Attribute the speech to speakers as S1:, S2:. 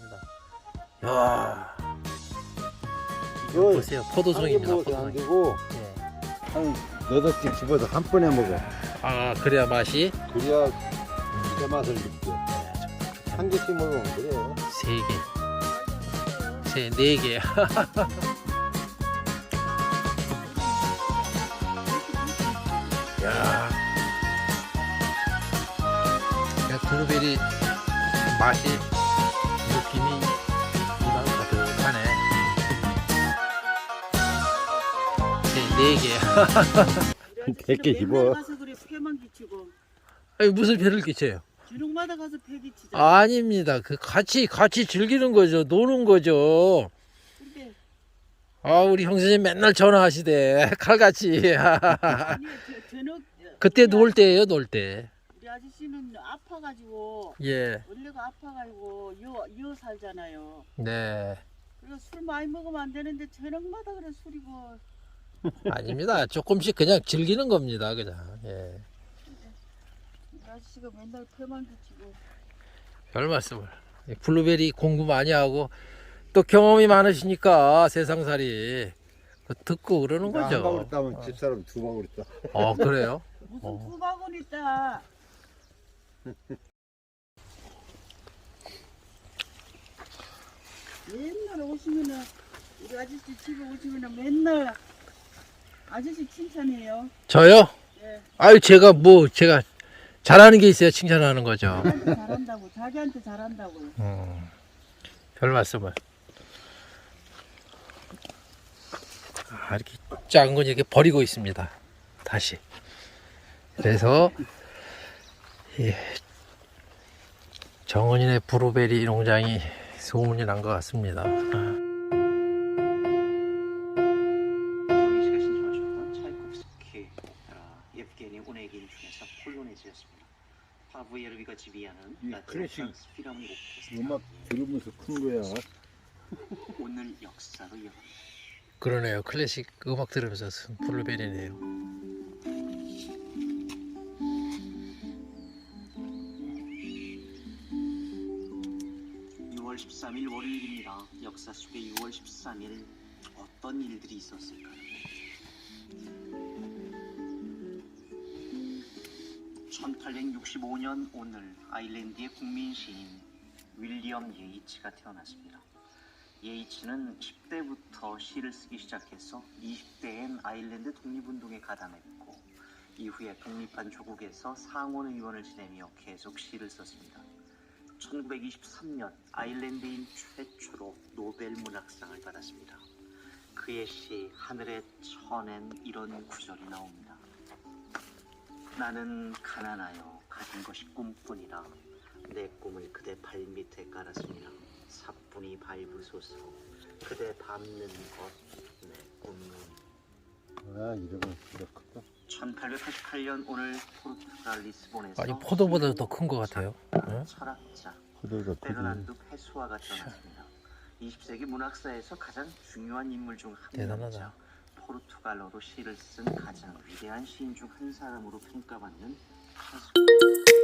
S1: 좋습니다. 야, 이거 보세요. 포도송입니다.
S2: 안
S1: 포도송.
S2: 되고
S1: 예.
S2: 한 8개 집어서 한 번에 먹어.
S1: 아, 그래야 맛이
S2: 그래야 제 맛을 느껴. 한 개씩 먹으면 그래요.
S1: 3개, 4개. 야, 블루베리 맛이 느낌이 입안 가득하네. 4개.
S2: 100개 집어.
S3: 가서 그래 폐만 끼치고
S1: 아니, 무슨 배를 끼쳐요?
S3: 주눅마다 가서 폐 끼치자.
S1: 아닙니다. 그 같이 즐기는 거죠. 노는 거죠.
S3: 근데
S1: 아, 우리 형수님 맨날 전화하시대. 칼같이.
S3: 아니 저녁
S1: 그때 놀 때예요, 놀 때.
S3: 우리 아저씨는 아파가지고
S1: 예.
S3: 원래가 아파가지고 여 살잖아요.
S1: 네.
S3: 그리고 술 많이 먹으면 안 되는데 저녁마다 그래 술이고.
S1: 아닙니다. 조금씩 그냥 즐기는 겁니다. 그냥. 예.
S3: 우리 아저씨가 맨날 폐만 끼치고.
S1: 별 말씀을. 블루베리 공부 많이 하고 또 경험이 많으시니까 세상살이 그 듣고 그러는
S2: 한 방울
S1: 거죠.
S2: 따면 집사람 2방울 따.
S1: 그래요?
S3: 무슨 두 바구니 있다. 맨날 오시면은 우리 아저씨 집에 오시면은 맨날 아저씨 칭찬해요.
S1: 저요?
S3: 예.
S1: 아유, 제가 잘하는 게 있어야 칭찬하는 거죠.
S3: 자기한테 잘한다고, 자기한테 잘한다고.
S1: 별 말씀을. 아, 이렇게 작은 건 이렇게 버리고 있습니다. 다시. 그래서 예, 정은이네 블루베리 농장이 소문이 난 것 같습니다.
S4: 조이시가 신청하셨던 차이콥스키 예브게니 오네긴 중에서 폴로네즈였습니다. 파브 예르비가 지휘하는
S2: 이
S4: 라틴
S2: 클래식
S4: 프랑스 필하모닉 오케스트라
S2: 음악 들으면서 큰 거야.
S4: 오늘 역사로 이어갑니다.
S1: 그러네요. 클래식 음악 들으면서 쓴 블루베리네요.
S4: 6월 13일 월요일입니다. 역사 속에 6월 13일 어떤 일들이 있었을까요? 1865년 오늘 아일랜드의 국민 시인 윌리엄 예이츠가 태어났습니다. 예이츠는 10대부터 시를 쓰기 시작해서 20대엔 아일랜드 독립운동에 가담했고 이후에 독립한 조국에서 상원의원을 지내며 계속 시를 썼습니다. 1923년 아일랜드인 최초로 노벨 문학상을 받았습니다. 그의 시 하늘의 천엔 이런 구절이 나옵니다. 나는 가난하여 가진 것이 꿈뿐이라 내 꿈을 그대 발밑에 깔았습니다. 사뿐히 밟으소서 그대 밟는 것 내 꿈은.
S2: 아, 이름은 그렇거든.
S4: 1888년 오늘 포르투갈 리스본에서
S1: 아니, 포도보다 더 큰 것 같아요. 응?
S4: 철학자
S2: 그들도 크지.
S4: 베르난두 페소아가 태어났습니다. 20세기 문학사에서 가장 중요한 인물 중 한
S1: 대단하다.
S4: 명이자 포르투갈어로 시를 쓴 가장 위대한 시인 중 한 사람으로 평가받는 페소.